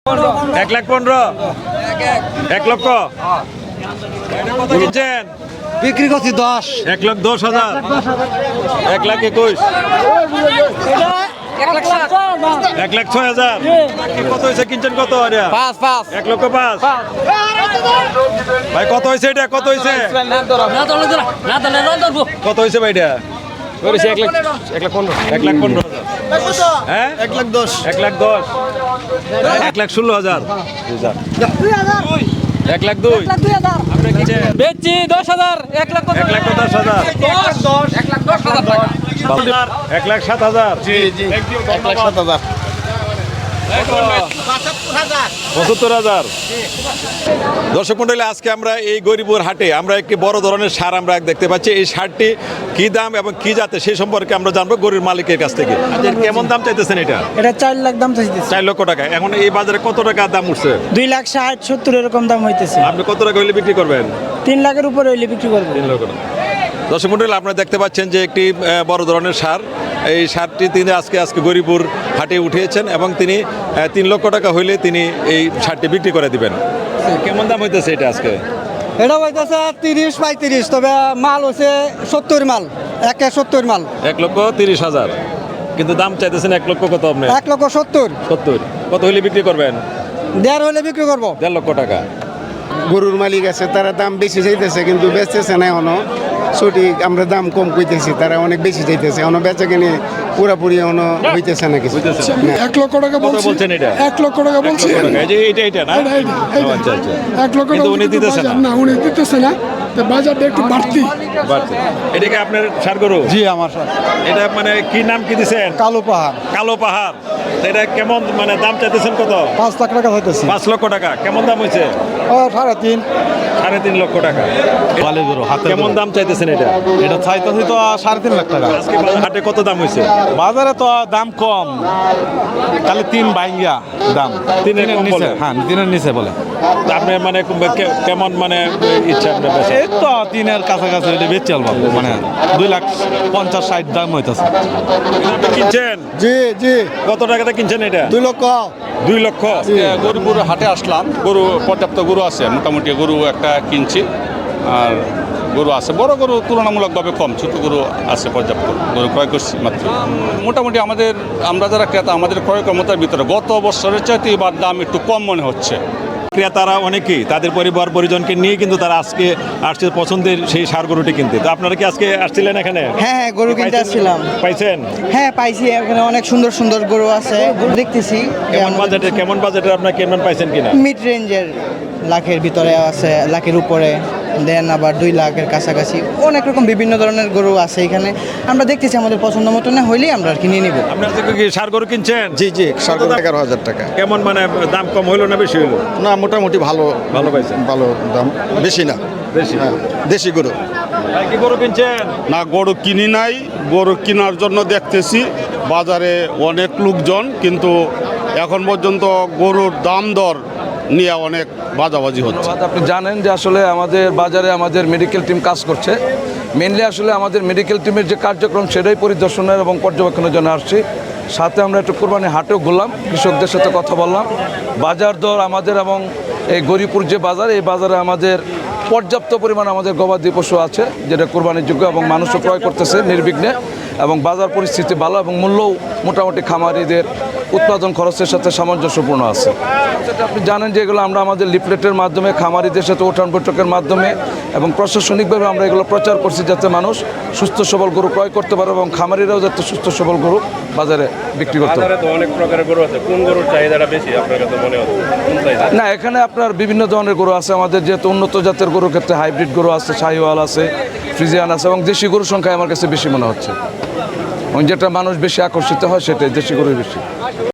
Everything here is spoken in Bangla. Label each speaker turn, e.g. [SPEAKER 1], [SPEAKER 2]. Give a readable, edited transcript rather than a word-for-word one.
[SPEAKER 1] 1,15,000 1 লক্ষ কিনছেন
[SPEAKER 2] বিক্রি করছি 10।
[SPEAKER 1] 1,10,000 1,21,000 1,06,000 কত হয়েছে কিনছেন কত 1,05,000 ভাই কত হয়েছে এটা কত হয়েছে কত হয়েছে ভাই এটা 1,15,000 হ্যাঁ 1,10,000 1,16,000 1,02,000 আপনি কিনছেন
[SPEAKER 3] বেচছি 10,000 1,10,000
[SPEAKER 1] 1,07,000
[SPEAKER 2] জি 1,07,000
[SPEAKER 1] 75,000 দর্শক মণ্ডলী আজকে আমরা এই গরিপুর হাটে আমরা একটি বড় ধরনের সার আমরা দেখতে পাচ্ছি। এই সারটি কি দাম এবং কি জাতে সেই সম্পর্কে আমরা জানবো গরুর মালিকের কাছ থেকে। কেমন দাম চাইতেছেন এটা?
[SPEAKER 4] এটা 4 লাখ দাম চাইতেছে।
[SPEAKER 1] 4 লক্ষ টাকা। এখন এই বাজারে কত টাকা দাম উঠছে?
[SPEAKER 4] 2,60,70 এরকম দাম হইতেছে।
[SPEAKER 1] আপনি কত টাকা হইলে বিক্রি করবেন?
[SPEAKER 4] 3 লাখের উপরে হইলে বিক্রি করব।
[SPEAKER 1] 3 লক্ষ টাকা। দর্শক মণ্ডলী আপনারা দেখতে পাচ্ছেন যে একটি বড় ধরনের সার, এই সারটি তিনি আজকে গরিপুর হাটে উঠিয়েছেন এবং তিনি 3 লক্ষ টাকা হইলে তিনি এই সারটি বিক্রি করে দিবেন। কেমন দাম হইতেছে এটা আজকে?
[SPEAKER 4] এটা হইতেছে 30-35, তবে মাল হচ্ছে 70 মাল, 1,70 মাল,
[SPEAKER 1] 1,30,000 কিন্তু দাম চাইতেছেন 1 লক্ষ কত আপনি?
[SPEAKER 4] 1,70,000
[SPEAKER 1] 70 কত হইলে বিক্রি করবেন?
[SPEAKER 4] 1,5 হইলে বিক্রি করব।
[SPEAKER 1] 1.5 লক্ষ টাকা।
[SPEAKER 2] গরুর মালিক আছে তারা দাম বেশি চাইতেছে কিন্তু বেচতেছে না এখনো সঠিক। আমরা দাম কম কইতেছি, তারা অনেক বেশি চাইতেছে, এখনো বেচা কিনে পুরাপুরি এখনো হইতেছে না কিছু।
[SPEAKER 5] 1 লক্ষ টাকা
[SPEAKER 1] কত বলছেন এটা?
[SPEAKER 5] 1 লক্ষ টাকা বলছি।
[SPEAKER 1] এই যে এটা না? আচ্ছা আচ্ছা।
[SPEAKER 5] 1 লক্ষ
[SPEAKER 1] কিন্তু
[SPEAKER 5] টাকা
[SPEAKER 1] উনি দিতেছে না।
[SPEAKER 5] না, উনি দিতেছে না, তো বাজারটা একটু বাড়তি।
[SPEAKER 1] বাড়ছে। এটা কি আপনার সার গরু?
[SPEAKER 4] জি আমার স্যার।
[SPEAKER 1] এটা মানে কি নাম কি দিছেন?
[SPEAKER 4] কালো পাহাড়।
[SPEAKER 1] কালো পাহাড়। এটা কেমন মানে দাম চাইতেছেন কত?
[SPEAKER 4] 5 লাখ টাকা হইতেছে।
[SPEAKER 1] 5 লক্ষ টাকা। কেমন দাম হয়েছে?
[SPEAKER 4] 3.5।
[SPEAKER 1] 3.5 লক্ষ টাকা।
[SPEAKER 6] বালি গরু হাতে
[SPEAKER 1] কেমন দাম চাইতেছেন এটা?
[SPEAKER 6] এটা চাইতেছি তো 3.5 লাখ টাকা।
[SPEAKER 1] আজকে হাটে কত দাম হয়েছে?
[SPEAKER 6] বাজারে তো দাম কম, খালি 3 বাইঙ্গা দাম।
[SPEAKER 1] তিনের কম
[SPEAKER 6] নিচে,
[SPEAKER 1] বলে?
[SPEAKER 6] হ্যাঁ 3-এর নিচে বলে।
[SPEAKER 1] তা আপনি মানে কেমন মানে ইচ্ছা আপনার বেচা?
[SPEAKER 6] এই তো 3-এর কাছাকাছি হইলে বেচে আলবাম, মানে 2,50,60 দাম হইতেছে।
[SPEAKER 1] আপনি কিনছেন?
[SPEAKER 2] জি জি
[SPEAKER 1] কত টাকাতে কিনছেন এটা?
[SPEAKER 2] 2 লক্ষ।
[SPEAKER 1] 2 লক্ষ।
[SPEAKER 7] গরুপুর হাটে আসলাম, গরু পর্যাপ্ত গরু আছে, মোটামুটি গরু একটা কিনছি। আর গরু আছে, বড় গরু তুলনামূলকভাবে কম, ছোট গরু আছে পর্যাপ্ত, গরু ক্রয় করছি মাত্র। মোটামুটি আমরা যারা ক্রেতা, আমাদের ক্রয় ক্ষমতার ভিতরে গত বছরের চাইতে এবার দাম একটু কম মনে হচ্ছে।
[SPEAKER 1] ক্রেতারা অনেকেই তাদের পরিবার পরিজনকে নিয়ে কিন্তু তারা আজকে আসছে পছন্দের সেই সার গরুটি কিনতে। তো আপনারা কি আজকে আসছিলেন এখানে?
[SPEAKER 4] হ্যাঁ, গরু কিনতে আসছিলাম।
[SPEAKER 1] পাইছেন?
[SPEAKER 4] হ্যাঁ পাইছি, এখানে অনেক সুন্দর সুন্দর গরু আছে, গরু দেখতেছি।
[SPEAKER 1] কেমন বাজেটের আপনার কেমন পাইছেন কিনা?
[SPEAKER 4] মিড রেঞ্জের, লাখের ভিতরে আছে, লাখের উপরে, দেন আবার 2 লাখের কাছাকাছি অনেক রকম বিভিন্ন ধরনের গরু আছে এখানে। আমরা দেখতেছি আমাদের পছন্দ মতো না হইলেই আমরা আর কি নিয়ে নিব।
[SPEAKER 1] আপনার থেকে কি সার গরু কিনছেন?
[SPEAKER 2] জি জি 11,000 টাকা।
[SPEAKER 1] কেমন মানে দাম কম হইলো না বেশি হইলো?
[SPEAKER 2] না মোটামুটি ভালো
[SPEAKER 1] ভালো পাইছেন?
[SPEAKER 2] ভালো দাম, বেশি না,
[SPEAKER 1] বেশি।
[SPEAKER 2] দেশি গরু।
[SPEAKER 1] ভাই কি গরু কিনছেন?
[SPEAKER 7] না, গরু কিনি নাই, গরু কেনার জন্য দেখতেছি বাজারে অনেক লোকজন, কিন্তু এখন পর্যন্ত গরুর দাম দর নিয়ে অনেক বাজাবাজি হচ্ছে।
[SPEAKER 8] আপনি জানেন যে আসলে আমাদের বাজারে আমাদের মেডিকেল টিম কাজ করছে। মেনলি আসলে আমাদের মেডিকেল টিমের যে কার্যক্রম সেটাই পরিদর্শনের এবং পর্যবেক্ষণের জন্য আসছি। সাথে আমরা একটু কোরবানি হাটেও ঘুরলাম, কৃষকদের সাথে কথা বললাম। বাজার দর আমাদের এবং এই গরিপুর যে বাজার, এই বাজারে আমাদের পর্যাপ্ত পরিমাণ আমাদের গবাদি পশু আছে যেটা কোরবানির যোগ্য এবং মানুষও ক্রয় করতেছে নির্বিঘ্নে, এবং বাজার পরিস্থিতি ভালো এবং মূল্যও মোটামুটি খামারিদের উৎপাদন খরচের সাথে সামঞ্জস্যপূর্ণ আছে। সেটা আপনি জানেন যে এগুলো আমরা আমাদের লিফলেটের মাধ্যমে, খামারিদের সাথে উঠান বৈঠকের মাধ্যমে এবং প্রশাসনিকভাবে আমরা এগুলো প্রচার করছি যাতে মানুষ সুস্থ সবল গরু ক্রয় করতে পারে এবং খামারিরাও যাতে সুস্থ সবল গরু বাজারে বিক্রি করতে পারে।
[SPEAKER 1] তো অনেক প্রকারের গরু আছে, কোন গরুর চাহিদাটা বেশি আপনার কাছে মনে হচ্ছে?
[SPEAKER 8] না, এখানে আপনার বিভিন্ন ধরনের গরু আছে আমাদের, যেহেতু উন্নত জাতের গরুর ক্ষেত্রে হাইব্রিড গরু আছে, শাহিওয়াল আছে, ফ্রিজিয়ান আছে এবং দেশি গরুর সংখ্যা আমার কাছে বেশি মনে হচ্ছে, এবং যেটা মানুষ বেশি আকর্ষিত হয় সেটাই দেশি গরুই বেশি।